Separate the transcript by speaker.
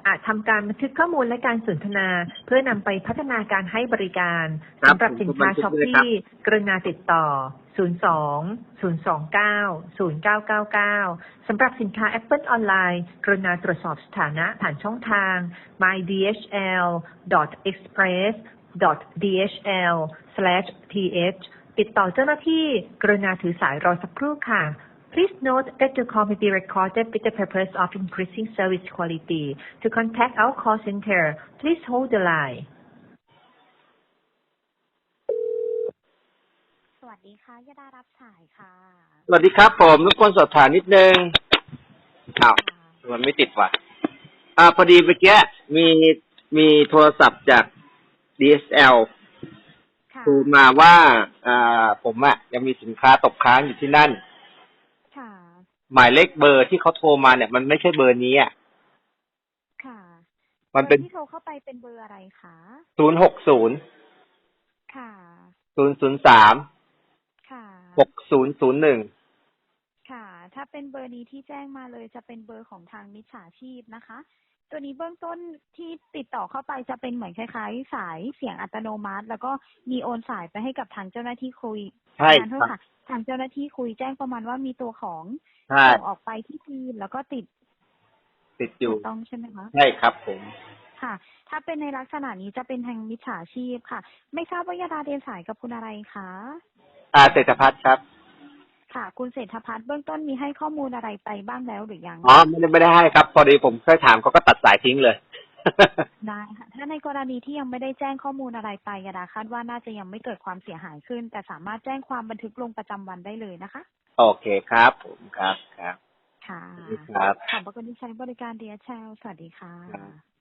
Speaker 1: อาจทำการบันทึกข้อมูลและการสนทนาเพื่อนำไปพัฒนาการให้บริการสำหรับสินค้าช้อปปี้กรุณาติดต่อ 02-029-0999 สำหรับสินค้า Apple ออนไลน์กรุณาตรวจสอบสถานะผ่านช่องทาง mydhl.express.dhl/th ติดต่อเจ้าหน้าที่กรุณาถือสายรอสักครู่ค่ะPlease note that the call may be recorded with the purpose of increasing service quality. To contact our call center, please hold the line.
Speaker 2: สวัสดีค่ะยดารับสายค่ะ
Speaker 3: สวัสดีครับผมรบกวนสอบถามนิดนึงมันไม่ติดว่ะพอดีเมื่อกี้มีโทรศัพท์จาก DSL โทรมาว่าผมยังมีสินค้าตกค้างอยู่ที่นั่นหมายเลขเบอร์ที่เขาโทรมาเนี่ยมันไม่ใช่เบอร์นี้
Speaker 2: ค่ะ
Speaker 3: มันเป็น
Speaker 2: ที่โทรเข้าไปเป็นเบอร์อะไรคะ
Speaker 3: 060
Speaker 2: ค่ะ
Speaker 3: 003
Speaker 2: ค่ะ
Speaker 3: 6001
Speaker 2: ค่ะถ้าเป็นเบอร์นี้ที่แจ้งมาเลยจะเป็นเบอร์ของทางมิจฉาชีพนะคะตัวนี้เบื้องต้นที่ติดต่อเข้าไปจะเป็นเหมือนคล้ายๆสายเสียงอัตโนมัติแล้วก็มีโอนสายไปให้กับทางเจ้าหน้าที่คุย
Speaker 3: ใช่
Speaker 2: ค่ะทางเจ้าหน้าที่คุยแจ้งประมาณว่ามีตัวของส่งออกไปที่จีนแล้วก็ติด
Speaker 3: อยู่
Speaker 2: ต้องใช่ไหมคะ
Speaker 3: ใช่ครับผม
Speaker 2: ค่ะถ้าเป็นในลักษณะนี้จะเป็นทางมิจฉาชีพค่ะไม่ทราบว่ายดาเดินสายกับคุณอะไรคะ
Speaker 3: เศรษฐพัฒน์ครับ
Speaker 2: ค่ะคุณเศรษฐพัฒน์เบื้องต้นมีให้ข้อมูลอะไรไปบ้างแล้วหรือยัง
Speaker 3: ไม่ได้ให้ครับพอดีผมเคยถามเขาก็ตัดสายทิ้งเลย
Speaker 2: ได้ค่ะถ้าในกรณีที่ยังไม่ได้แจ้งข้อมูลอะไรไปยดาคาดว่าน่าจะยังไม่เกิดความเสียหายขึ้นแต่สามารถแจ้งความบันทึกลงประจำวันได้เลยนะคะ
Speaker 3: โอเคครับผมครับ
Speaker 2: ค่ะ
Speaker 3: ครับ
Speaker 2: ขอบพระคุณที่ใช้บริการ DHL สวัสดีค่ะ